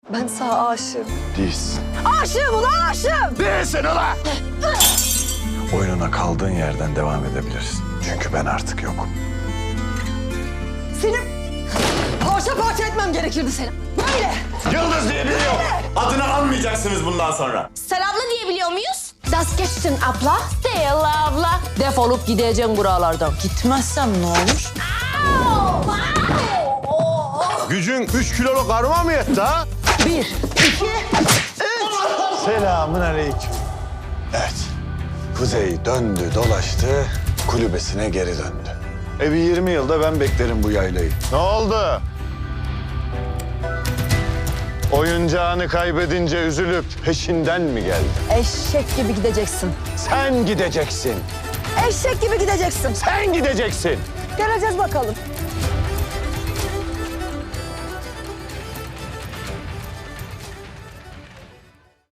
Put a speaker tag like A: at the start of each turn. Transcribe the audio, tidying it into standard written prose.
A: Ben sana aşığım.
B: Değilsin.
A: Aşığım ulan aşığım!
B: Değilsin ulan! Oyununa kaldığın yerden devam edebilirsin. Çünkü ben artık yokum.
A: Seni parça parça etmem gerekirdi seni. Böyle.
C: Yıldız diye biri yok. Adını almayacaksınız bundan sonra.
D: Sen abla diyebiliyor muyuz? Das geçtin abla. Değil abla.
E: Defolup gideceğim buralardan. Gitmezsem ne olur?
B: Gücün 3 kiloluk karma mı yetti ha?
E: 1, 2,
B: Selamun aleyküm. Evet. Kuzey döndü dolaştı, kulübesine geri döndü. Bir 20 yılda ben beklerim bu yaylayı. Ne oldu? Oyuncağını kaybedince üzülüp peşinden mi geldin?
A: Eşek gibi gideceksin.
B: Sen gideceksin.
A: Eşek gibi gideceksin.
B: Sen gideceksin.
A: Göreceğiz bakalım.